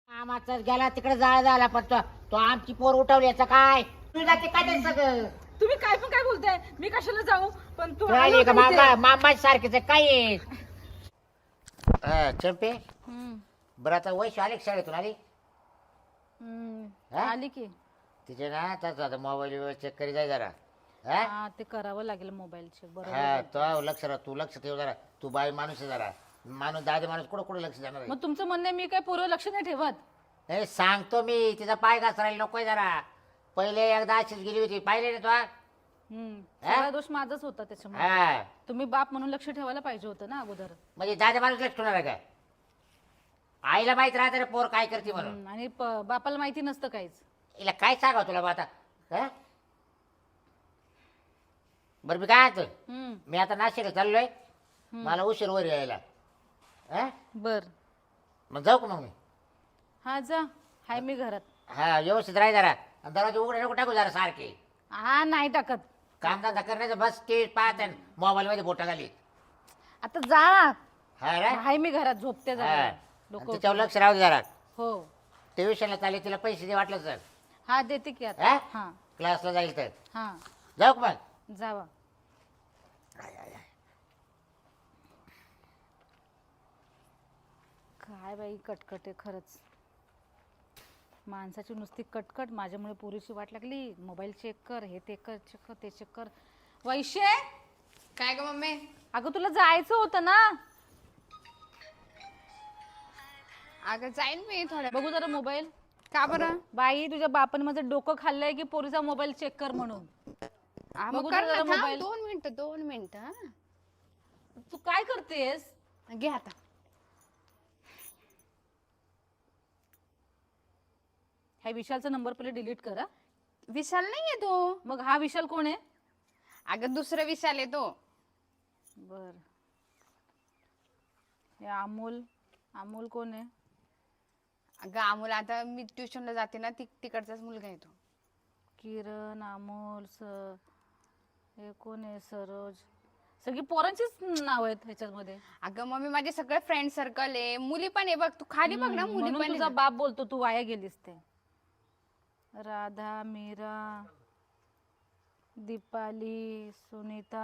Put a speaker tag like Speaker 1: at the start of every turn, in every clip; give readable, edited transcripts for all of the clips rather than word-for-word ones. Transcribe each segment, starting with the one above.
Speaker 1: मामाचा गेला तिकडे जाळ झाला पण तो आमची पोर उठवली याचं काय तू जाते काय ते सगळं
Speaker 2: तुम्ही काय पण काय बोलताय? मी कशाला जाऊ? पण तू
Speaker 1: राहिली का मामा मामा सारखेच आहे, काय आहे? चंपे बरं आता वैश आले का शाळेतून आली हा?
Speaker 2: आली की
Speaker 1: तिचे ना आता मोबाईल चेक करी जाय जरा हा
Speaker 2: हा ते करावं लागेल मोबाईल चेक
Speaker 1: हा
Speaker 2: बरोबर.
Speaker 1: तो लक्ष राहा तू लक्ष ठेव जरा तू बाई माणूस आहे जरा माणूस दादे माणूस कुठं कुठं लक्ष देणार आहे?
Speaker 2: मग तुमचं म्हणणं आहे मी काय पूर्व लक्ष नाही ठेवत?
Speaker 1: नाही सांगतो मी तिचा पाय घसरायला नकोय जरा पहिले एकदा अशीच गेली होती पाहिले ना तो
Speaker 2: सगळा दोष माझाच होता त्याच्यामुळे.
Speaker 1: हा
Speaker 2: तुम्ही बाप म्हणून लक्ष ठेवायला पाहिजे होतं ना अगोदर.
Speaker 1: म्हणजे दादा माणूस लक्ष ठेवणार आहे काय आईला माहित राहते रे पोर काय करते म्हणून
Speaker 2: आणि बापाला माहिती नसतं काहीच.
Speaker 1: हिला काय सांगावं तुला बा आता हा? बरं मी काय म्हणतो मी आता नाशिकला चाललोय मला उशीर वर यायला हा
Speaker 2: बर
Speaker 1: मग जाऊ का मग मी
Speaker 2: हा जा. हाय मी घरात.
Speaker 1: हा व्यवस्थित राही जरा आणि दरवाजे उघडे नको टाकू जरा सारखे
Speaker 2: हा नाही टाकत.
Speaker 1: कामधंदा करण्याचं बस टीव्ही पाहत मोबाईल मध्ये बोटा घाली
Speaker 2: आता जा.
Speaker 1: हा रे
Speaker 2: हाय मी घरात झोपते
Speaker 1: हा
Speaker 2: जरा.
Speaker 1: आणि
Speaker 2: डोकं
Speaker 1: तिच्यावर लक्ष राहू दे जरा
Speaker 2: हो
Speaker 1: ट्युशनला चालेल तिला पैसे दे वाटलं सर
Speaker 2: हा देते की आता.
Speaker 1: हा
Speaker 2: हा
Speaker 1: क्लासला जाईल तर
Speaker 2: हा
Speaker 1: जाऊ का मग
Speaker 2: जावा. काय बाई कटकट आहे खरंच. माणसाची नुसती कटकट. माझ्यामुळे पुरीची वाट लागली. मोबाईल चेक कर, हे ते कर, चेक कर, ते चेक कर. वैशे
Speaker 3: काय ग मम्मी?
Speaker 2: अगं तुला जायचं होतं ना.
Speaker 3: अगं जाईन मी थोड्या.
Speaker 2: बघू जरा मोबाईल.
Speaker 3: का बरं?
Speaker 2: बाई तुझ्या बापाने माझं डोकं खाल्लंय की पोरीचा मोबाईल चेक कर म्हणून.
Speaker 3: मग
Speaker 2: बघू
Speaker 3: कर
Speaker 2: जरा
Speaker 3: ना, थांब,
Speaker 2: मोबाईल.
Speaker 3: 2 मिनिटं हा.
Speaker 2: तू काय करतेस?
Speaker 3: घे आता.
Speaker 2: ह्या विशालचा नंबर पहिले डिलीट कर. हा?
Speaker 3: विशाल नाहीये तो.
Speaker 2: मग हा विशाल कोण आहे?
Speaker 3: अगं दुसरा विशाल आहे तो.
Speaker 2: बर. हे अमोल. अमोल कोण आहे?
Speaker 3: अगं अमोल आता मी ट्युशनला जाते ना तिकडचाच मुलगा आहे तो.
Speaker 2: किरण, अमोल, हे कोण आहे? सरोज. सगळी पोरांचीच नाव आहेत ह्याच्यामध्ये.
Speaker 3: अगं मम्मी माझे सगळे फ्रेंड सर्कल आहे. मुली पण आहे बघ. तू खाली बघ ना, मुली
Speaker 2: म्हणून
Speaker 3: पण
Speaker 2: तुझा
Speaker 3: आहे.
Speaker 2: बाप बोलतो तू वाया गेलीस ते. राधा, मीरा, दीपाली, सुनीता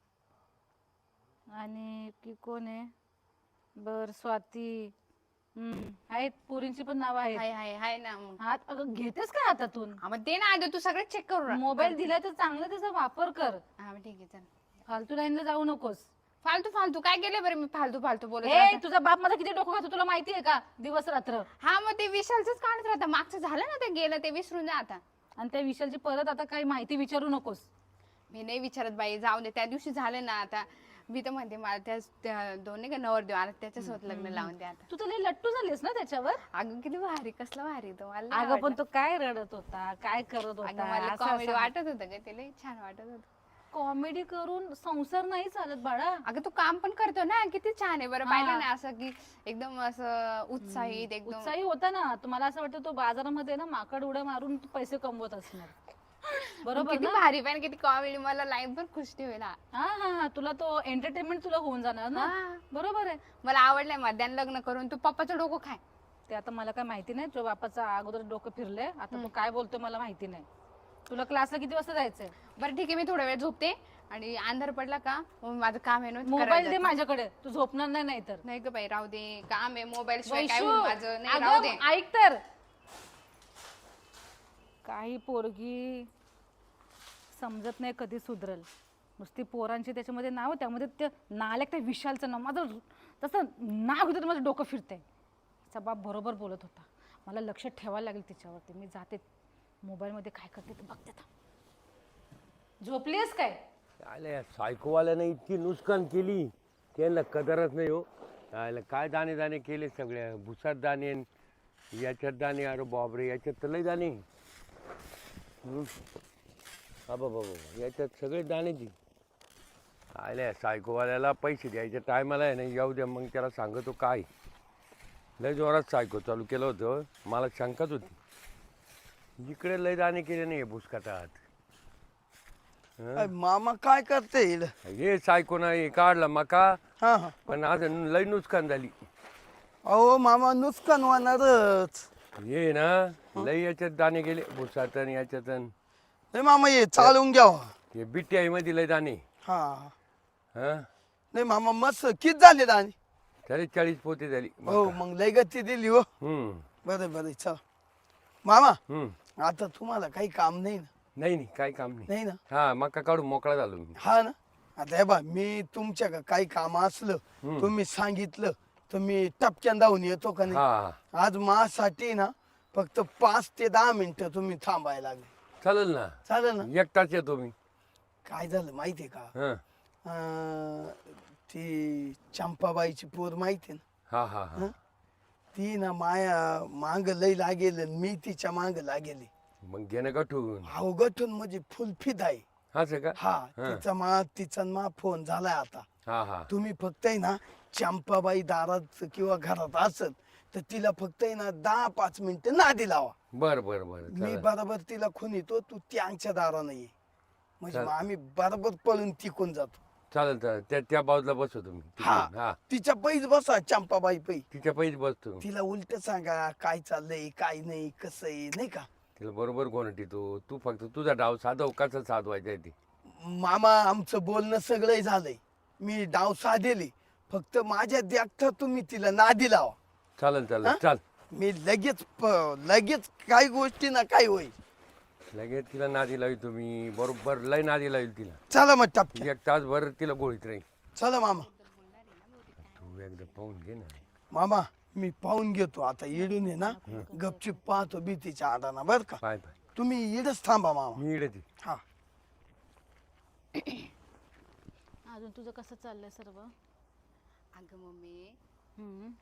Speaker 2: आणि की कोण आहे? बर स्वाती. आहेत पोरींची पण नाव आहेत.
Speaker 3: हाय हाय हाय ना मग.
Speaker 2: हात अगं घेतेस का हातातून?
Speaker 3: हा, मग ते ना आधी तू सगळं चेक करू.
Speaker 2: मोबाईल दिलाय तर चांगला त्याचा वापर कर.
Speaker 3: हा ठीक आहे चल.
Speaker 2: फालतू लाईनला जाऊ नकोस.
Speaker 3: फालतू फालतू काय केलं बरं मी? फालतू फालतू बोलत
Speaker 2: ए
Speaker 3: राहते.
Speaker 2: तुझा बाप माझा किती डोकं खातो तुला माहिती आहे का? दिवस रात्र.
Speaker 3: हा मग ते विशालच काढत राहता. मागचं झालं ना, ते गेलं ते विसरून जा आता.
Speaker 2: आणि त्या विशालची परत आता काही माहिती विचारू नकोस.
Speaker 3: मी नाही विचारत बाई, जाऊ दे. त्या दिवशी झालं ना, आता मी तर म्हणते मला त्या दोन नाही का नवर देऊ आता त्याच्यासोबत लग्न लावून द्या आता.
Speaker 2: तू तर लई लट्टू झालीस ना त्याच्यावर.
Speaker 3: अगं किती भारी, कसलं भारी तो. मला लय
Speaker 2: अगं पण
Speaker 3: आवडलं.
Speaker 2: तो काय रडत होता, काय करत
Speaker 3: अगं मला
Speaker 2: होता?
Speaker 3: कॉमेडी वाटत होतं ग, ते लय छान वाटत होतं.
Speaker 2: कॉमेडी करून संसार नाही चालत बाळा.
Speaker 3: अगं तू काम पण करतो ना, किती छान आहे बरं. पाहिलं ना असं की एकदम असं उत्साहित एकदम.
Speaker 2: उत्साही होता ना. तुम्हाला असं वाटतं तो बाजारामध्ये ना माकड उड्या मारून पैसे कमवत असणार. बरोबर
Speaker 3: किती
Speaker 2: ना?
Speaker 3: भारी पण किती कॉमेडी. मला लाईफ पण खुश ठेवेल.
Speaker 2: हा हा हा तुला तो एंटरटेनमेंट तुला होऊन जाणार ना.
Speaker 3: हा.
Speaker 2: बरोबर आहे.
Speaker 3: मला आवडलंय मध्यान लग्न करून. तू पप्पाचं डोकं खाय.
Speaker 2: ते आता मला काय माहिती नाही. तुझ्या बापाचा अगोदर डोकं फिरलंय. आता तो काय बोलतोय मला माहिती नाही. तुला क्लासला किती वाजता जायचंय?
Speaker 3: बरं ठीक आहे, मी थोडा वेळ झोपते आणि अंधार पडला का मग माझं काम आहे ना,
Speaker 2: मोबाईल
Speaker 3: करायला
Speaker 2: दे
Speaker 3: जाते.
Speaker 2: माझ्याकडे. तू झोपणार नाही नाहीतर.
Speaker 3: नाही ग बाई, राहू दे. काम आहे, मोबाईल शिवाय काय
Speaker 2: वैशू,
Speaker 3: होईल माझं? नाही,
Speaker 2: अगं,
Speaker 3: राहू दे.
Speaker 2: ऐक तर. काही पोरगी समजत नाही कधी सुधरल. नुसती पोरांची त्याच्यामध्ये नाव, त्यामध्ये ते नालायक त्या विशालचं नाव. माझं तसं नाव घेतं माझं डोकं फिरतंय. तिचा बाप बरोबर बोलत होता. मला लक्ष ठेवायला लागेल तिच्यावरती. मी जाते मोबाईलमध्ये काय करते ते बघते. झोपलीस काय?
Speaker 4: आल्या सायकोवाल्याने इतकी नुकसान केली त्यांना कदरच नाही हो. आयला काय दाणे दाणे केले सगळ्या. भुसात दाणे, याच्यात दाणे. अरे बापरे, याच्यात तर लय दाणे. बाबा बाबा, याच्यात सगळे दाणे ती. आल्या सायकोवाल्याला पैसे द्यायच्या टायमाला आहे ना, येऊ द्या मग त्याला सांगतो काय. लय जोरात सायको चालू केलं होतं. मला शंकाच होती. इकडे लय दाणे केले नाही भुसकाटात.
Speaker 5: मामा काय करते
Speaker 4: हे सायको नाही काढला मका.
Speaker 5: हा हा
Speaker 4: पण आज लय नुकसान झाली.
Speaker 5: अहो मामा नुकसान होणारच.
Speaker 4: ये ना लई याच्यात दाणे गेले भुसात आणि याच्यात अन
Speaker 5: नाही मामा ये चालवून घ्यावा.
Speaker 4: हे BTI मध्ये लय दाणे
Speaker 5: हा
Speaker 4: हा
Speaker 5: नाही मामा मस्त किती झाले दाणे.
Speaker 4: तरी 40 पोते झाली
Speaker 5: हो मग लय गती दिली हो.
Speaker 4: हम्म
Speaker 5: बरं बरं चला मामा
Speaker 4: हम्म
Speaker 5: आता तुम्हाला काही काम नाही ना.
Speaker 4: नाही नाही काही काम नाही
Speaker 5: नाही ना.
Speaker 4: हा मका काढून मोकळा झालो मी
Speaker 5: हा ना. आता हे बा मी तुमच्या काही काम असलं तुम्ही सांगितलं तर मी टपक्यान धावून येतो का नाही.
Speaker 4: हा
Speaker 5: आज माझ्यासाठी ना फक्त 5 ते 10 मिनिटं तुम्ही थांबायला लागले.
Speaker 4: चालेल ना
Speaker 5: चालेल ना.
Speaker 4: 1 तास येतो मी
Speaker 5: काय झालं माहितीये का
Speaker 4: हा
Speaker 5: ती चंपाबाईची पोर माहिती ना.
Speaker 4: हा हा हा
Speaker 5: ती ना माया मांग लय लागेल आणि मी तिच्या मांग लागेल.
Speaker 4: मग घेणं गठून
Speaker 5: अहो गठून म्हणजे फुलफित आहे.
Speaker 4: असं का
Speaker 5: हा तिचा मा फोन झालाय आता.
Speaker 4: हा हा
Speaker 5: तुम्ही फक्त आहे ना चंपाबाई दारात किंवा घरात असेल तर तिला फक्त आहे ना 10-5 मिनिटं नादी लावा.
Speaker 4: बर बर बर
Speaker 5: मी
Speaker 4: चालेल
Speaker 5: बरोबर तिला खून येतो तू त्यांच्या दारानं ये म्हणजे मग आम्ही बरोबर पळून टिकून जातो.
Speaker 4: चालेल चालेल त्या बाजूला बसवतो मी
Speaker 5: हा
Speaker 4: हा
Speaker 5: तिच्या पैज बसा चंपाबाई पै.
Speaker 4: तिच्या पैसे बसतो
Speaker 5: तिला उलट सांगा काय चाललंय काय नाही कसं आहे नाही का.
Speaker 4: तिला बरोबर कोणती तू फक्त तुझा डाव साधव कसा साधवायचा आहे ते
Speaker 5: मामा आमचं बोलणं सगळं झालंय. मी डाव साधेले फक्त माझ्या देखता तुम्ही तिला नादी लावा.
Speaker 4: चालेल चालेल चाल
Speaker 5: मी लगेच काही गोष्टी ना काय होईल.
Speaker 4: लगेच तिला नादी लावी तुम्ही बरोबर लय नादी लावी तिला
Speaker 5: चला मग टपक्या
Speaker 4: 1 तासभर तिला गोळीत राहील
Speaker 5: चला मामा.
Speaker 4: तू एकदा पाहून घे ना
Speaker 5: मामा मी पाहून घेतो आता इडून आहे ना गपचूप पाहतो भीतीच्या आडाना बर का.
Speaker 4: पाय पाय
Speaker 5: तुम्ही इडच थांबा मामा.
Speaker 4: मी इकडे ती
Speaker 5: हा
Speaker 2: अजून तुझं कसं चाललंय सर्व?
Speaker 3: अगं मम्मी
Speaker 2: हम्म.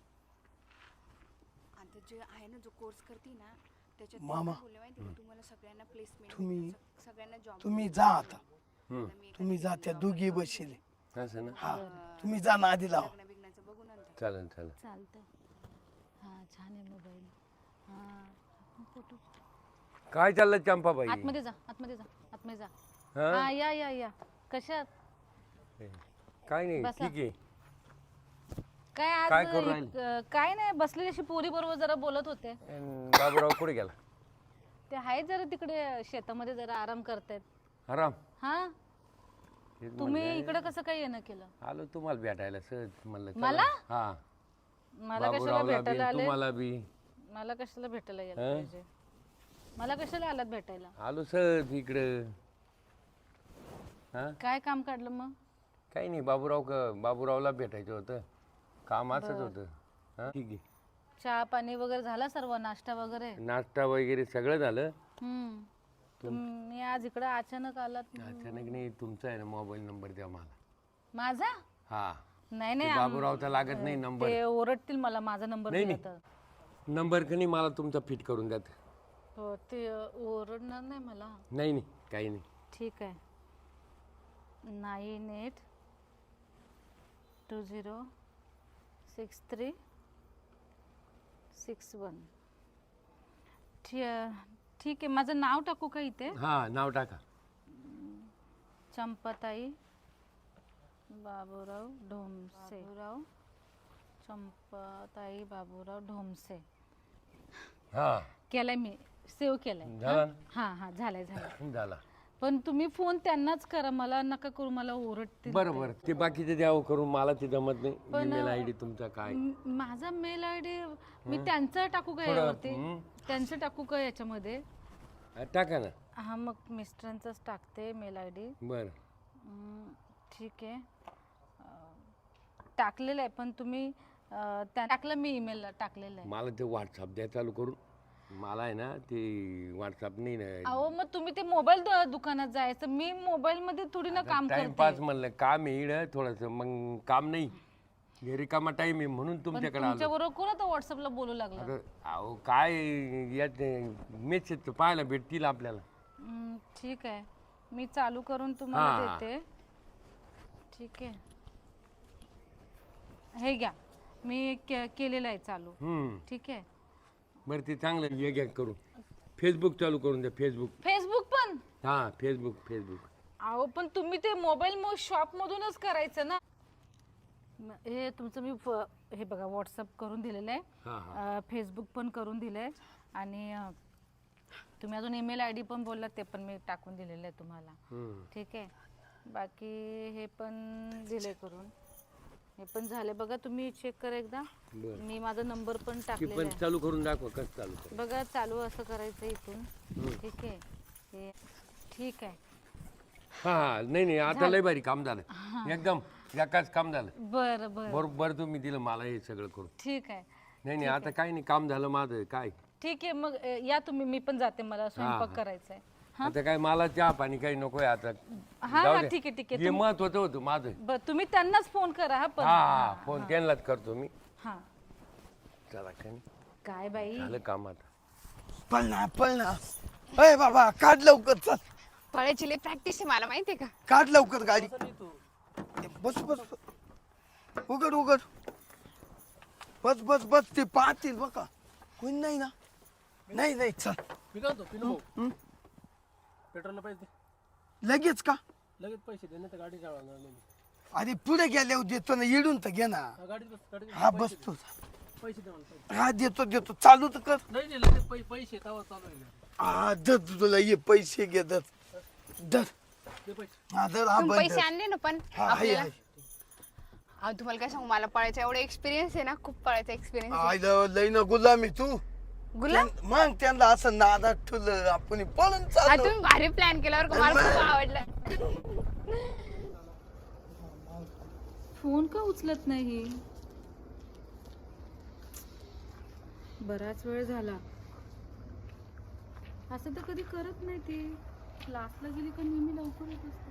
Speaker 3: आता जे आहे ना जो कोर्स करते ना त्याच्यात
Speaker 5: मामा.
Speaker 3: बोलले माहिती का तुम्हाला सगळ्यांना प्लेसमेंट सगळ्यांना जॉब
Speaker 5: तुम्ही जा आता. तुम्ही जा त्या दोघी बसले.
Speaker 4: असं ना
Speaker 5: हा तुम्ही जा नादी लावा.
Speaker 3: लग्न बिग्नाचं बघू नंतर.
Speaker 4: चालेल चालेल
Speaker 2: चालतंय. हा छान आहे मोबाईल. हा फोटो
Speaker 4: काय चाललं चंपाबाई
Speaker 2: आतमध्ये जा आतमध्ये जा आतमध्ये जा.
Speaker 4: हा
Speaker 2: हा या कशात
Speaker 4: काय नाही
Speaker 2: बसा.
Speaker 4: ठीक आहे
Speaker 2: काय आज
Speaker 4: काय करू राहिली?
Speaker 2: काय नाही बसलेली अशी पोरी बरोबर जरा बोलत होते.
Speaker 4: बाबूराव कुठे गेला
Speaker 2: ते आहेत जरा तिकडे शेतामध्ये जरा आराम करतायत.
Speaker 4: आराम
Speaker 2: हा
Speaker 4: तेच
Speaker 2: तुम्ही
Speaker 4: म्हणलं.
Speaker 2: इकडे कसं काय येणं केलं?
Speaker 4: आलो तुम्हाला भेटायला सहज म्हणलं चला.
Speaker 2: मला?
Speaker 4: हा
Speaker 2: मला कशाला
Speaker 4: बाबूरावला बी
Speaker 2: भेटायला आले?
Speaker 4: तुम्हाला बी
Speaker 2: मला कशाला भेटायला यायला
Speaker 4: हा?
Speaker 2: पाहिजे? मला कशाला आलात भेटायला?
Speaker 4: आलो सहज इकडं हा
Speaker 2: काय काम काढलं मग?
Speaker 4: काही नाही बाबूरावला भेटायचं होतं काम असंच होतं हा ठीक आहे
Speaker 2: चहा पाणी वगैरे झाला सर्व नाश्ता वगैरे?
Speaker 4: नाश्ता वगैरे सगळं झालं
Speaker 2: हम्म. तुम्ही आज इकडे अचानक आलात.
Speaker 4: अचानक नाही तुमचा आहे ना मोबाईल नंबर द्या मला
Speaker 2: माझा?
Speaker 4: हा
Speaker 2: नाही
Speaker 4: ते
Speaker 2: नाही
Speaker 4: बाबूरावचा लागत नाही नंबर
Speaker 2: ते ओरडतील मला माझा नंबर
Speaker 4: नाही,
Speaker 2: दिला तर.
Speaker 4: नंबर का नाही मला तुमचा फिट करून द्या
Speaker 2: हो ते ओरडणार नाही मला.
Speaker 4: नाही नाही काही नाही
Speaker 2: ठीक आहे. 98206361. ठीक आहे. माझं नाव टाकू का इथे?
Speaker 4: हा नाव टाका
Speaker 2: चंपाताई बाबूराव ढोमसे. चंपाताई बाबूराव ढोमसे
Speaker 4: हा
Speaker 2: केलाय मी. सेव्ह केलाय.
Speaker 4: झाला ना?
Speaker 2: हा झालाय.
Speaker 4: झाला
Speaker 2: पण तुम्ही फोन त्यांनाच करा, मला नका करू, मला ओरडतील.
Speaker 4: बरं बरं ते बाकीचे द्यावं करून मला ते जमत नाही ईमेल आयडी तुमचा काय
Speaker 2: माझा मेल आयडी मी त्यांचा टाकू का यावरती? त्यांचं टाकू का याच्यामध्ये?
Speaker 4: टाका ना
Speaker 2: हा मग मिस्टरांचाच टाकते मेल आयडी.
Speaker 4: बरं
Speaker 2: ठीक आहे. टाकलेलं आहे पण तुम्ही टाकलं मी ईमेल टाकलेलं आहे.
Speaker 4: मला ते व्हॉट्सअप द्या चालू करून मला आहे ना ते व्हॉट्सअप नाही ना
Speaker 2: अहो मग तुम्ही ते मोबाईल दुकानात जायचं, मी मोबाईल मध्ये थोडी ना काम करते.
Speaker 4: टाइमपास म्हणलं काम येईल थोडस मग काम नाही घरी कामा टाइम आहे म्हणून तुमच्याकडे आलो
Speaker 2: तुमच्या बरोबर कोण आता व्हॉट्सअपला बोलू लागलं?
Speaker 4: अगं, अहो काय यात मेसेज पाहायला भेटतील आपल्याला
Speaker 2: ठीक आहे. मी चालू करून तुम्हाला
Speaker 4: हा.
Speaker 2: देते. ठीक आहे. हे घ्या मी केलेलं आहे चालू. ठीक आहे.
Speaker 4: बरं ते चांगलं हे घ्या करून फेसबुक चालू करून द्या फेसबुक
Speaker 2: पण
Speaker 4: हा फेसबुक
Speaker 2: अहो पण तुम्ही ते मोबाईल शॉप मधूनच करायचं ना. हे तुमचं मी हे बघा व्हॉट्सअप करून दिलेलं
Speaker 4: हा,
Speaker 2: आहे, फेसबुक पण करून दिलं आहे आणि तुम्ही अजून ईमेल आय डी पण बोललात ते पण मी टाकून दिलेलं आहे तुम्हाला. ठीक आहे. बाकी हे पण दिले करून, हे पण झाले बघा. तुम्ही चेक करा एकदा.
Speaker 4: बरं.
Speaker 2: मी माझा नंबर पण
Speaker 4: ती
Speaker 2: टाकलेला
Speaker 4: पण
Speaker 2: आहे
Speaker 4: चालू करून दाखवा कसं चालू कर.
Speaker 2: बघा. चालू असं करायचं इथून. ठीक आहे. हे ठीक आहे.
Speaker 4: हा नाही आता लय भारी काम झालं एकदम एकाच काम झालं.
Speaker 2: बरं बरं
Speaker 4: बरोबर तुम्ही दिलं मला हे सगळं करून.
Speaker 2: ठीक आहे.
Speaker 4: नाही आता काही नाही काम झालं माझं काय.
Speaker 2: ठीक आहे मग या तुम्ही. मी पण जाते, मला स्वयंपाक करायचा आहे.
Speaker 4: आता काय मला चहा पाणी काही नकोय आता.
Speaker 2: हा
Speaker 4: जाऊ
Speaker 2: हा
Speaker 4: दे.
Speaker 2: ठीक आहे ठीक आहे.
Speaker 4: हे महत्वाचं होतं माझं.
Speaker 2: बरं तुम्ही त्यांनाच फोन करा हा पण.
Speaker 4: हा फोन त्यांनाच करतो मी.
Speaker 2: हा
Speaker 4: चला काय नाही.
Speaker 2: काय बाई
Speaker 4: झालं काम आता.
Speaker 5: पळना अय बाबा काढ लवकर चल.
Speaker 3: पळायची लय प्रॅक्टिस आहे मला माहितीये का.
Speaker 5: काढ लवकर गाडी. बस बस उघड उघड. बस बस बस ते पाहतील बघा. कोणी नाही ना. नाही चल.
Speaker 6: मी काय म्हणतो पिनू भाऊ, पेट्रोलला पैसे दे.
Speaker 5: लगेच का.
Speaker 6: लगेच पैसे दे नाही तर गाडी चालवणार नाही.
Speaker 5: अरे पुढे गेल्यावर देतो ना. येडून तर घे ना.
Speaker 6: गाडीत बस गाडीत
Speaker 5: हा बसतो.
Speaker 6: पैसे दे मला पैसे.
Speaker 5: हा देतो चालू तर कर.
Speaker 6: नाही लगेच पैसे तवा चालू आहे.
Speaker 5: हा धर तुला ये पैसे घे धर
Speaker 6: दे पैसे.
Speaker 5: हा धर हा
Speaker 3: तुम्ही
Speaker 5: बंद
Speaker 3: पैसे आणले ना पण
Speaker 5: हा आहे
Speaker 3: आपल्याला.
Speaker 5: आहे.
Speaker 3: अहो तुम्हाला काय सांगू, मला पळायचा एवढा एक्सपिरियन्स आहे ना, खूप पळायचा एक्सपिरियन्स.
Speaker 5: आयला लई ना गुलामी तू.
Speaker 3: गुलाम
Speaker 5: मग त्यांना असं नादात ठेवलं आपण पळून
Speaker 3: हा
Speaker 5: चाललो.
Speaker 3: तुम्ही भारी प्लॅन केल्यावर का मला खूप आवडलं.
Speaker 2: फोन का उचलत नाही. बराच वेळ झाला. असं तर कधी करत नाही ती. क्लासला गेली का नेहमी लवकर येत असते.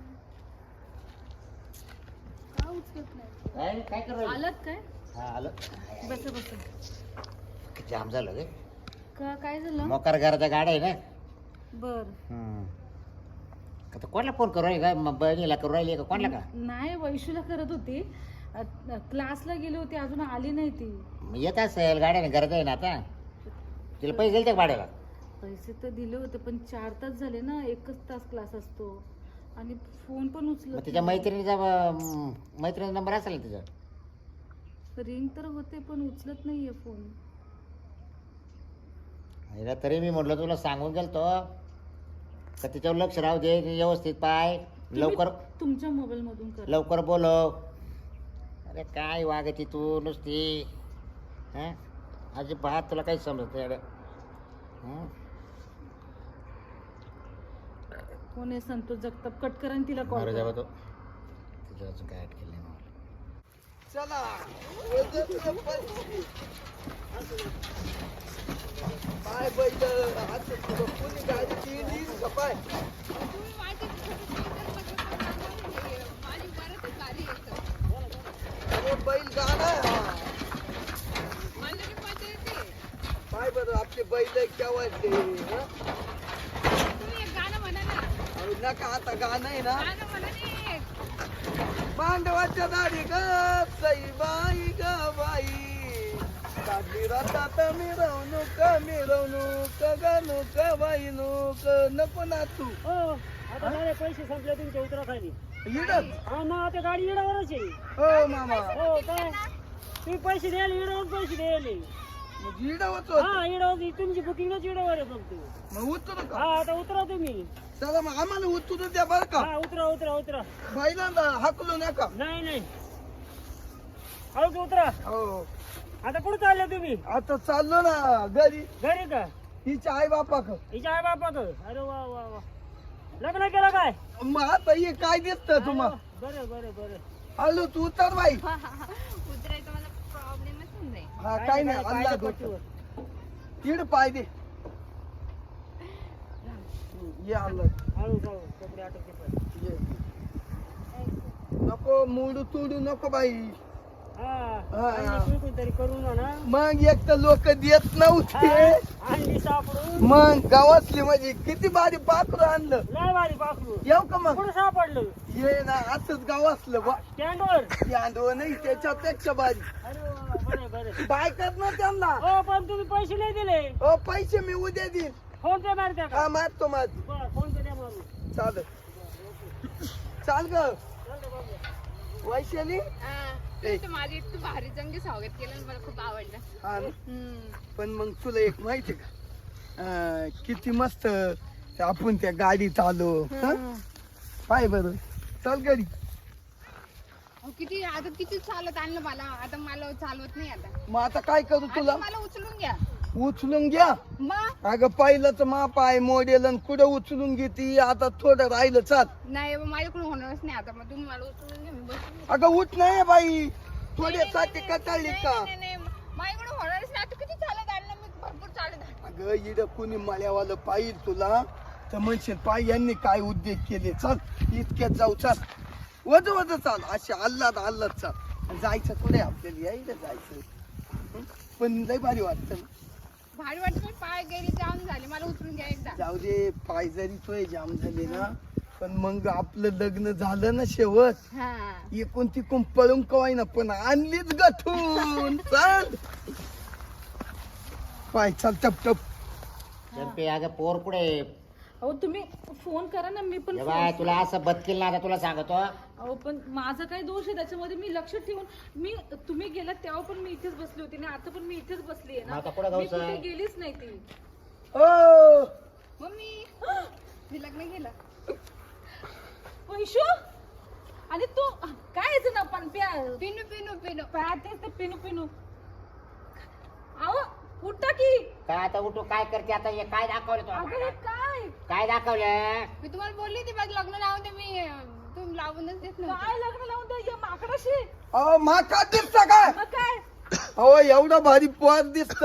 Speaker 2: का उचलत नाही.
Speaker 1: काय करू राहिली?
Speaker 2: आलत काय.
Speaker 1: हा आलो.
Speaker 2: बस बस.
Speaker 1: जाम झालं गे.
Speaker 2: का काय झालं.
Speaker 1: मोकार घराचा गाडा आहे ना.
Speaker 2: बर
Speaker 1: आता कोणाला फोन करू राहिली का बहिणीला करू राहिली का कोणाला का.
Speaker 2: नाही वैशूला करत होती. क्लासला गेली होती अजून आली नाही ती.
Speaker 1: मग येत असेल गाड्याने गरज आहे ना आता. तिला पैसे दिले त्या भाड्याला.
Speaker 2: पैसे तर दिले होते पण 4 तास झाले ना. 1च तास क्लास असतो आणि फोन पण
Speaker 1: मग
Speaker 2: उचलत
Speaker 1: तिच्या मैत्रिणीचा मैत्रिणीचा नंबर असेल ना तिचा.
Speaker 2: रिंग तर होते पण उचलत नाहीये फोन.
Speaker 1: हिला तरी मी म्हटलं तुला सांगून गेलतो का तिच्यावर लक्ष राहू दे. व्यवस्थित पाय लवकर
Speaker 2: तुमच्या मोबाईल मधून कर.
Speaker 1: लवकर बोलव. अरे काय वागती तू नुसती. हा अजिबात तुला काही समजत नाही.
Speaker 2: कोण आहे संतोष जगताप. कट करा आणि तिला कॉल
Speaker 1: बरं
Speaker 2: करा.
Speaker 1: जाऊ तो तिच्या अजून काय अटकेल नाही मला.
Speaker 5: चला पाय बैल आता तुला कोणी गाडी केली का पाय. अरे बैल गाणं पाय बरं आपले बैल केव्हाचे. अरे नका आता गाणं आहे ना. मांडवाच्या दाढी ग सई बाई ग बाई. काढली रातात मिरवणूक मिरवणूक गणूक बाई नूक. नको ना तू.
Speaker 6: आता माझे पैसे संपले तुमच्या उतरा खाली.
Speaker 5: इडच.
Speaker 6: हा ना आता गाडी येण्यावरच आहे.
Speaker 5: हो मामा.
Speaker 6: हो काय तुम्ही पैसे द्यायला येण्यावर पैसे द्यायले.
Speaker 5: मग इडवच
Speaker 6: हा येण्यावर तुमची बुकिंगच येण्यावर आहे फक्त.
Speaker 5: मग उतरू का.
Speaker 6: हा आता उतरा तुम्ही.
Speaker 5: चला मग आम्हाला उतरू द्या बर का.
Speaker 6: हा उतरा उतरा उतरा.
Speaker 5: बैलांना हाकलू नका.
Speaker 6: नाही हळूच उतरा.
Speaker 5: हो
Speaker 6: आता कुठं चालले तुम्ही.
Speaker 5: आता चाललो ना घरी.
Speaker 6: घरी का.
Speaker 5: हिच्या आई बापा क.
Speaker 6: हिच्या आई बापा का. अरे वा वा वा. लग्न केलं काय.
Speaker 5: मग आता हे काय दिसत तुम्हाला.
Speaker 6: बरं
Speaker 5: हॅलो तू उतर बाई.
Speaker 3: उतरायचा मला प्रॉब्लेमच होऊन जाईल.
Speaker 5: हा काय नाही अल्ला तीड पाय दे. ये आलं.
Speaker 6: हळू कपडे आटोपते पण.
Speaker 5: ये. नको मोडू तोडू नको बाई.
Speaker 6: हा तरी करू ना.
Speaker 5: मग एक तर लोक देत नव्हते.
Speaker 6: आणली सापडून.
Speaker 5: मग गावातली म्हणजे किती भारी पाखरू आणलं.
Speaker 6: लय भारी पाखरू.
Speaker 5: येऊ का मग.
Speaker 6: कुठं सापडलं.
Speaker 5: ये ना असंच गाव असलं बा.
Speaker 6: स्टँडवर.
Speaker 5: यादव नाही त्याच्यापेक्षा भारी.
Speaker 6: अरे वा, बरं
Speaker 5: बाय कर ना त्यांना.
Speaker 6: हो पण तुम्ही पैसे नाही दिले.
Speaker 5: हो पैसे मी उद्या देईन.
Speaker 6: फोन पे मारत्या का.
Speaker 5: हा मारतो माझ.
Speaker 6: बरं फोन पे द्या मारून.
Speaker 5: चाल ग वैशाली.
Speaker 3: हा. तुम्ही माझी इतकं भारी चांगली स्वागत केलं आणि मला खूप आवडलं.
Speaker 5: हा ना? पण मग तुला एक माहिती का किती मस्त आपण त्या गाडीत आलो हं? पाय बरं चल गाडी.
Speaker 3: अहो, किती चालत आणलं मला. आता मला चालवत नाही आता.
Speaker 5: मग आता काय करू तुला
Speaker 3: आता मला उचलून घ्या.
Speaker 5: उचलून घ्या.
Speaker 3: मग
Speaker 5: अगं पहिलंच माप आहे मॉडेल आणि कुठं उचलून घेती आता थोडं राहिलं चाल.
Speaker 3: नाही बाबा, माझ्याकडून होणारच नाही आता. मग तुम्ही मला उचलून घ्या, मी बसून घेते.
Speaker 5: अगं उठ नाही बाई थोड्यासाठी कटाळली का?
Speaker 3: नाही, माझ्याकडून होणारच नाही. आता किती चालत आणलं मी, भरपूर चालत आणलं.
Speaker 5: अगं इड कुणी मळ्यावालं पाहिजे तुला तर म्हणशील पाय यांनी काय उद्योग केले. चल इतक्यात जाऊ चाल वज वज चाल असे अल्लाद चाल. जायचं कुठे आपल्याला यायला जायचं हं? पण लय भारी वाटतं ना.
Speaker 3: भारी वाटत पण पाय गेली जाम झाले. मला उचलून घ्या एकदा.
Speaker 5: जाऊ दे पाय जरी तोय जाम झाले ना पण मग आपलं लग्न झालं ना शेवट
Speaker 3: हा
Speaker 5: एकूण तिकून पळून कवाय ना पण आणलीच गठून. चल पाय चल टप टप.
Speaker 1: चंपे अगं पोर कुठे
Speaker 2: अहो तुम्ही फोन करा ना, मी पण
Speaker 1: बाय तुला असं बदकील ना आता तुला सांगतो.
Speaker 2: अहो पण माझा काय दोष आहे त्याच्यामध्ये? मी लक्ष ठेवून तुम्ही गेलात तेव्हा पण मी इथेच बसली होती ना, आता पण मी इथेच बसली आहे
Speaker 1: मग आता
Speaker 2: ना.
Speaker 1: कुठं
Speaker 2: मी
Speaker 1: जाऊचं?
Speaker 2: कुठे गेलीच नाही ती.
Speaker 5: ओ
Speaker 3: मम्मी मी लग्न केलं.
Speaker 2: वैशू आणि तू काय याचं ना पण
Speaker 3: पिनू पिनू पिनू.
Speaker 2: तेच ते पिनू पिनू. अहो उठा की.
Speaker 1: काय आता उठू काय करते आता हे काय दाखवलं
Speaker 2: अगं
Speaker 1: तुला?
Speaker 2: हे काय
Speaker 1: काय दाखवलं?
Speaker 3: मी तुम्हाला बोलली होती बघ लग्न लावून दे. मी तुम्ही लावूनच देत नव्हते.
Speaker 2: काय लग्न लावून द्या या माकडाशी?
Speaker 5: अहो मा का दिसता काय?
Speaker 2: मग काय
Speaker 5: अहो एवढं भारी पोर दिसत.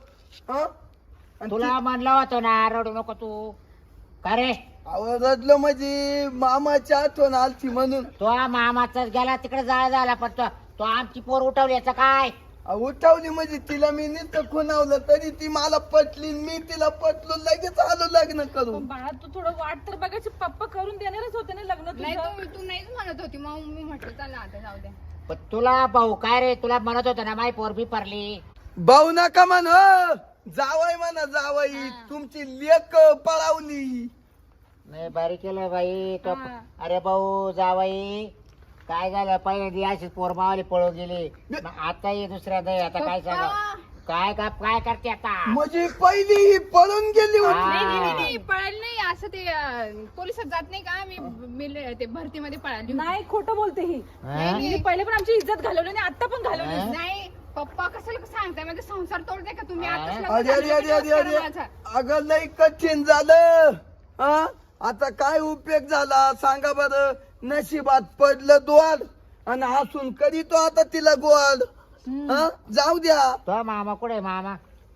Speaker 1: तुला म्हणलं होतं ना रडू नको तू. का रे
Speaker 5: अहो रडलं म्हणजे मामाची आठवण आलती म्हणून.
Speaker 1: तो मामाचा गेला तिकडे जाळा झाला पण तो आमची पोर उठवली याचं काय?
Speaker 5: उठवली म्हणजे तिला मी नुसतं खुणावलं तरी ती मला पटली मी तिला पटलो लगेच आलो लग्न करून.
Speaker 2: पण बाळा तू थोडं वाट तर बघायची. पप्पा करून देणारच होते ना लग्न
Speaker 3: नाही
Speaker 2: तुझं.
Speaker 3: तू नाहीच म्हणत होती. मग मी म्हटलं चला आता जाऊ द्या.
Speaker 1: पण तुला भाऊ काय रे तुला म्हणत होतं ना माई पोर बी पडली.
Speaker 5: भाऊ नका म्हण जावाई म्हणा जावाई तुमची लेक पळावली.
Speaker 1: नाही बारी केलं बाई तो.
Speaker 2: हा.
Speaker 1: अरे भाऊ जावाई काय झालं पहिले अशीच पोर मावाली पळून गेली मग आता ये दुसऱ्या नाही आता काय सांगा काय काय करते आता?
Speaker 5: म्हणजे पहिली ही पळून गेली होती.
Speaker 3: नाही नाही नाही, नाही पळाली नाही. असं ते पोलिसात जात नाही का? मी ते भरतीमध्ये पळाली होती.
Speaker 2: नाही खोटं बोलते ही.
Speaker 1: हा?
Speaker 2: मी पहिले पण आमची इज्जत घालवली आणि आता पण घालवली.
Speaker 1: हा?
Speaker 3: नाही पप्पा कशाला सांगताय? माझा संसार तोडते का तुम्ही? आताच लग्न
Speaker 5: अरे अरे
Speaker 3: झालं,
Speaker 5: अरे अरे
Speaker 3: दिवस
Speaker 5: अरे
Speaker 3: करा माझा.
Speaker 5: अगं लय कठीण झालं. हा आता काय उपयोग झाला सांगा बरं. नशिबात पडलं द्वार आणि हसून करीतो आता तिला गोड. हा जाऊ द्या.
Speaker 1: तो मामा कुठे मामा?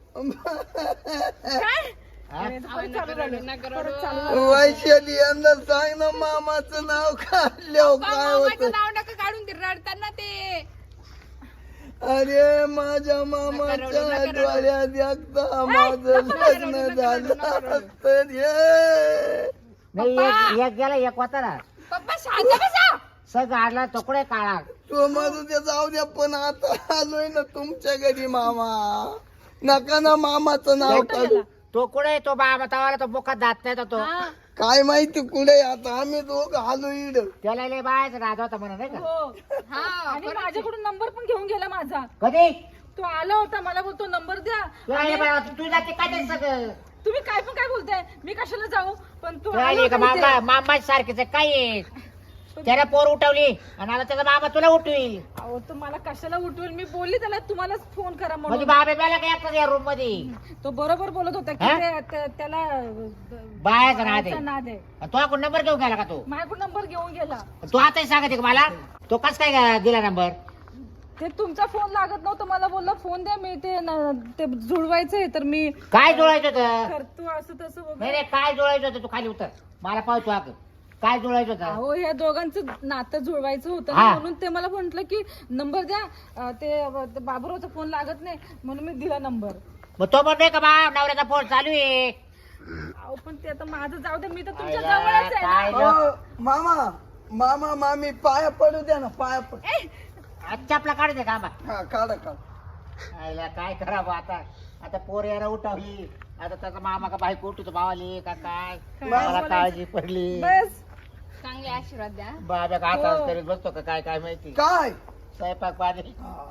Speaker 2: काय?
Speaker 1: हा?
Speaker 2: अरे, परत चालू झालं.
Speaker 3: नका रडू.
Speaker 2: परत चालू झालं.
Speaker 5: वैशाली यांना सांग ना मामाचं नाव काढलं काय
Speaker 3: मामाचं
Speaker 5: होत.
Speaker 3: नाव नका काढून ते रडताना ते.
Speaker 5: अरे माझ्या मामाच्या डोळ्यात एकदा माझं लग्न झालं तर हे.
Speaker 1: नाही एक गेला एक होता ना
Speaker 3: पप्पा शांत बसा.
Speaker 1: सग आडला तो कुठे काळा.
Speaker 5: तो माझं ते जाऊ द्या पण आता आलोय ना तुमच्या घरी मामा. नका ना मामाचं नाव काढू.
Speaker 1: तो कुठे तो बाबा तवाला तो मुखात जात नाही तो.
Speaker 2: हा.
Speaker 5: काय माहिती कुठे आता आम्ही दोघं आलो इड.
Speaker 1: त्याला लय बायचा राजा होता म्हणून नाही का?
Speaker 2: हो.
Speaker 3: हा
Speaker 2: आणि माझ्याकडून नंबर पण घेऊन गेला माझा.
Speaker 1: कधी
Speaker 2: तो आला होता मला बोलतो नंबर द्या.
Speaker 1: तू जाते काय ते सगळं
Speaker 2: तुम्ही काय पण काय बोलताय? मी कशाला जाऊ? पण तू
Speaker 1: तू
Speaker 2: आला
Speaker 1: आली का
Speaker 2: होता
Speaker 1: मामा
Speaker 2: इथे.
Speaker 1: मामा सारखीच आहे, काय आहे? त्याला पोर उठवली आणि आता त्याचा मामा तुला उठवील.
Speaker 2: अहो तो मला कशाला उठवेल? मी बोलली त्याला तुम्हालाच फोन करा
Speaker 1: म्हणजे
Speaker 2: म्हणून.
Speaker 1: बाबा बेला काय एकटाच या रूम मध्ये
Speaker 2: तो बरोबर बोलत होता की
Speaker 1: हा?
Speaker 2: त्याला
Speaker 1: बायाचा नाद आहे.
Speaker 2: बायाचा नाद आहे.
Speaker 1: तो आपण नंबर घेऊन गेला का तू?
Speaker 2: माझ्याकडून नंबर घेऊन गेला.
Speaker 1: तू आताही सांगते का मला तो कस काय दिला नंबर?
Speaker 2: ते तुमचा फोन लागत नव्हता. मला बोलला फोन द्या. मी ते जुळवायचंय तर मी
Speaker 1: काय जुळायचं होतं?
Speaker 2: करतो असं तसं
Speaker 1: नाही
Speaker 2: वगैरे.
Speaker 1: रे काय जुळायचं होतं? तू खाली उतर मला पाहतो अग काय जुळायचं होतं?
Speaker 2: अहो ह्या दोघांचं नातं जुळवायचं होतं
Speaker 1: हा.
Speaker 2: ना, म्हणून ते मला म्हंटल की नंबर द्या. ते बाबूरावचा फोन लागत नाही म्हणून मी दिला नंबर.
Speaker 1: मग तो म्हणतोय का बा नवऱ्याचा फोन चालू आहे.
Speaker 2: अहो पण ते आता माझं जाऊ दे. मी तर तुमच्या
Speaker 1: आयला,
Speaker 2: जवळच आहे
Speaker 1: काय
Speaker 2: ना.
Speaker 5: अहो, मामा मामा मामी पाया पडू द्या ना पाया पड.
Speaker 1: आजच्या आपला काढते का बा?
Speaker 5: हा काढा काढा.
Speaker 1: आयला काय करावं आता? आता पोर याला उठवली आता त्याचा मामा का बायको उठतो भावाली का काय? मला काळजी पडली.
Speaker 2: बस
Speaker 3: चांगले आशीर्वाद द्या.
Speaker 1: बाबा का आता करीत बसतो का काय काय माहिती?
Speaker 5: काय
Speaker 1: स्वयंपाक पाणी
Speaker 5: हा.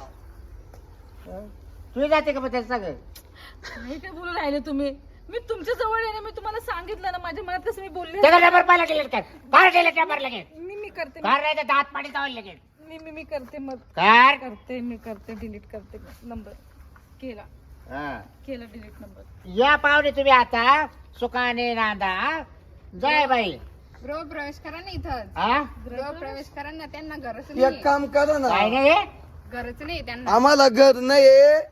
Speaker 1: तू जाते का मग त्याचं सगळं
Speaker 2: काय काय बोलू राहिले तुम्ही? मी तुमच्या जवळ आहे ना, मी तुम्हाला सांगितलं ना माझ्या मनात कसं मी बोलले.
Speaker 1: त्याचा नंबर पाहिला गेले काय कार गेले नंबर लगेच
Speaker 2: मी करते
Speaker 1: कार नाही तर दात पाणी चावलं लगेच
Speaker 2: मी करते मग
Speaker 1: कार
Speaker 2: मी करते डिलीट करते नंबर. केला
Speaker 1: हा.
Speaker 2: केला डिलीट नंबर.
Speaker 1: या पाहुणे तुम्ही आता सुखाने नांदा जय बाई
Speaker 3: गृह प्रवेश करा ना इथं.
Speaker 1: हा
Speaker 3: गृह प्रवेश करा ना, त्यांना गरज
Speaker 5: एक
Speaker 3: नाही,
Speaker 5: काम करा ना
Speaker 1: काय नाही
Speaker 3: गरज नाही त्यांना.
Speaker 5: आम्हाला घर नाही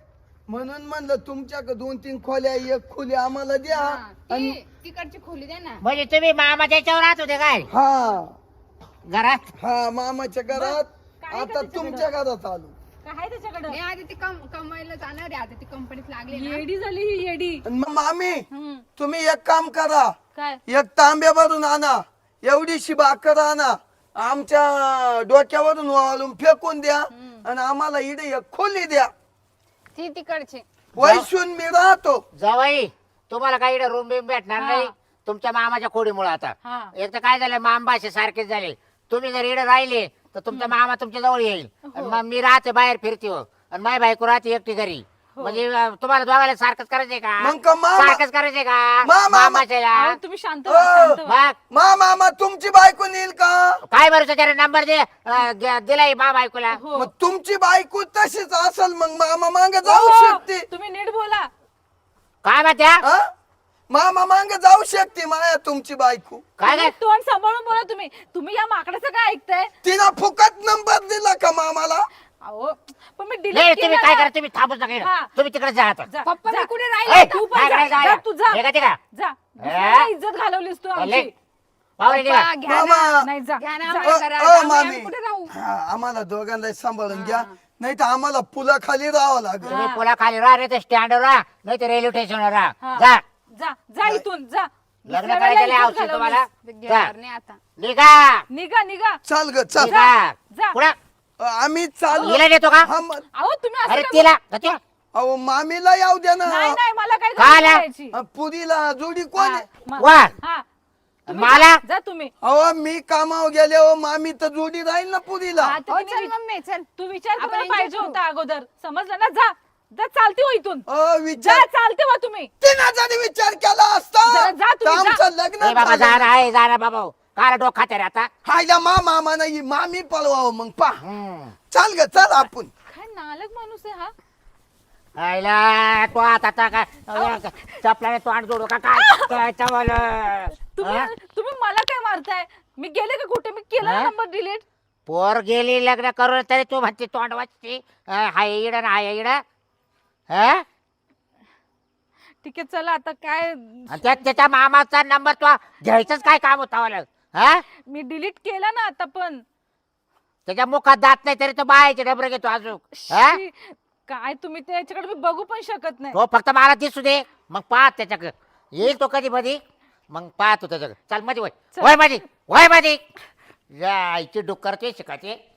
Speaker 5: म्हणून म्हणलं तुमच्याकडे 2-3 खोल्या एक खोली आम्हाला द्या.
Speaker 3: हा, ती तिकडची खोली द्या ना.
Speaker 1: म्हणजे तुम्ही मामा त्याच्यावर राहत होते काय
Speaker 5: हा
Speaker 1: घरात
Speaker 5: हा मामाच्या घरात
Speaker 2: काय
Speaker 5: आता तुमच्या घरात आलो.
Speaker 2: काय त्याच्याकडे
Speaker 3: नाही आधी ती कमायला जाणार आहे, आता ती कंपनीत लागली ना.
Speaker 2: येडी झाली ही येडी.
Speaker 5: आणि मग मामी
Speaker 2: हम्म.
Speaker 5: तुम्ही एक काम करा
Speaker 2: काय
Speaker 5: एक तांब्या भरून आणा एवढीशी भाकर आणा आमच्या डोक्यावरून वाळून फेकून द्या आणि आम्हाला इकडे एक खोली द्या
Speaker 3: ती तिकडची.
Speaker 5: वैशून मी राहतो.
Speaker 1: जवाई तुम्हाला काही रूम बिम भेटणार नाही तुमच्या मामाच्या खोडीमुळे आता
Speaker 2: हा.
Speaker 1: एक तर काय झालं मामबाशे सारखेच झाले तुम्ही जर इकडे राहिले तर तुमचा मामा तुमच्या जवळ येईल आणि मग मी राहते बाहेर फिरते हो आणि माझी बायको राहते एकटी घरी म्हणजे तुम्हाला दोघायला सारखंच करायचंय
Speaker 5: मग
Speaker 1: का
Speaker 5: का मामा
Speaker 1: सारखंच करायचंय का
Speaker 5: मामा-
Speaker 1: मामाच्या
Speaker 2: अहो, तुम्ही शांत व्हा, शांत व्हा.
Speaker 1: मग
Speaker 5: मामा तुमची बायको नेईल का
Speaker 1: काय बरं त्याला नंबर दे दिलाय मा बायकोला
Speaker 2: हो.
Speaker 5: मग तुमची बायको तशीच असेल मग मामा मांग जाऊ
Speaker 2: हो,
Speaker 5: शकते
Speaker 2: तुम्ही नीट बोला.
Speaker 1: काय म्हणत्या
Speaker 5: हा? मामा मांग जाऊ शकते माया तुमची बायको.
Speaker 1: काय
Speaker 2: तुम्ही
Speaker 1: काय
Speaker 2: तोंड सांभाळून बोला. तुम्ही या माकडाचं काय ऐकताय?
Speaker 5: तिला फुकट नंबर दिला का मामाला
Speaker 2: अहो पण मी
Speaker 1: नाही
Speaker 2: डिलीट
Speaker 1: तुम्ही काय करा तुम्ही थांबूच नका
Speaker 2: हा.
Speaker 1: इकडं. तुम्ही तिकडे जा आता
Speaker 2: जा,
Speaker 3: पप्पा
Speaker 2: जा.
Speaker 3: मी कुठे
Speaker 1: ए,
Speaker 3: राहिले?
Speaker 2: तू पण
Speaker 1: काय
Speaker 2: जा,
Speaker 1: करायचं
Speaker 2: जा,
Speaker 1: आहे?
Speaker 2: तू जा.
Speaker 1: हे का ते का?
Speaker 2: जा. दुसऱ्याला इज्जत घालवलीस तू
Speaker 1: चालले.
Speaker 2: आमची.
Speaker 1: पाहुणे निघा.
Speaker 3: पप्पा, घ्या ना.
Speaker 5: मामा
Speaker 2: नाही जा
Speaker 3: घ्या ना
Speaker 2: जा.
Speaker 3: आम्हाला घरात.
Speaker 5: मामी
Speaker 3: आम्ही कुठे राहू?
Speaker 5: हा, आम्हाला दोघांना सांभाळून घ्या नाही तर आम्हाला पुलाखाली राहावं लागेल.
Speaker 1: तुम्ही पुला खाली राहा नाही तर स्टँडवर राहा नाही तर रेल्वे स्टेशनवर राहा
Speaker 2: हा.
Speaker 1: जा
Speaker 2: जा जा इथून जा.
Speaker 1: लग्न
Speaker 2: दुसऱ्या
Speaker 1: करायचं
Speaker 2: वेळेला
Speaker 1: औषध
Speaker 2: इज्जत
Speaker 1: तुम्हाला
Speaker 2: घालवलीस.
Speaker 3: ते
Speaker 1: जा.
Speaker 3: घेणार नाही आता.
Speaker 1: निघा
Speaker 2: निघा निघा.
Speaker 5: चाल ग चाल
Speaker 1: निघा
Speaker 2: जा.
Speaker 1: पुढं
Speaker 5: आम्ही चाललो.
Speaker 1: हिला देतो का
Speaker 5: हा, मग-
Speaker 2: अहो तुम्ही असं
Speaker 1: अरे
Speaker 2: काय
Speaker 1: तिला तिला.
Speaker 5: अहो मामीला येऊ द्या ना
Speaker 2: नाही नाही मला काय
Speaker 1: का
Speaker 2: गरज
Speaker 1: आला?
Speaker 2: करायची.
Speaker 5: पुरीला जोडी कोण आहे?
Speaker 1: वा
Speaker 2: हा तुम्ही
Speaker 1: मला
Speaker 2: जा, जा तुम्ही.
Speaker 5: अहो मी कामावर गेले हो मामी तर जोडी राहील ना पुरीला.
Speaker 2: हा, तर
Speaker 3: हो,
Speaker 2: तिने
Speaker 3: चल
Speaker 2: विच-
Speaker 3: मम्मी चल.
Speaker 2: तू विचार
Speaker 3: आपण
Speaker 2: करायला
Speaker 3: enjoy
Speaker 2: पाहिजे
Speaker 3: करू.
Speaker 2: होता अगोदर. समजलं ना? जा जा चालते हो इथून.
Speaker 5: अहो
Speaker 2: जा
Speaker 5: विचार
Speaker 2: चालते हो तुम्ही.
Speaker 5: तिने जरी विचार केला असता
Speaker 2: जरा जा
Speaker 5: तर
Speaker 2: तुम्ही, जा.
Speaker 5: आमचं लग्न
Speaker 1: ए बाबा
Speaker 5: झालं.
Speaker 1: जा ना आहे जा ना बाबा काय डोक खाते रे आता
Speaker 5: हायला मामा नाही मामी पळवावं मग पा
Speaker 1: हम्म.
Speaker 5: चाल ग चल आपण.
Speaker 2: काय नालक माणूस आहे हा.
Speaker 1: आईला तो आता काय चपलाने तोंड जोडू का काय चावलं
Speaker 2: तुम्ही मला काय मारताय? मी गेले का कुठे? मी केला
Speaker 1: हा?
Speaker 2: Number delete.
Speaker 1: पोर गेली लग्न करून तरी तू म्हणते तोंड वाचते हाय इड ना हाय इड हा
Speaker 2: ठीक आहे चला आता काय.
Speaker 1: आणि त्याच्या मामाचा नंबर तो घ्यायचंच काय काम होता मला हा
Speaker 2: मी डिलीट केला ना आता पण.
Speaker 1: त्याच्या मुखात जात नाही तरी तो बायाचे डबरे घेतो अजून हा
Speaker 2: शी, काय तुम्ही त्याच्याकडे मी बघू पण शकत नाही.
Speaker 1: तो फक्त मला दिसू दे मग पाहत त्याच्याकडे येईल तो कधी मधी मग पाहतो त्याच्याकडे चाल मध्ये वय
Speaker 2: चल.
Speaker 1: वय मध्ये वय मध्ये जायची डुक्कर ते शिकायचे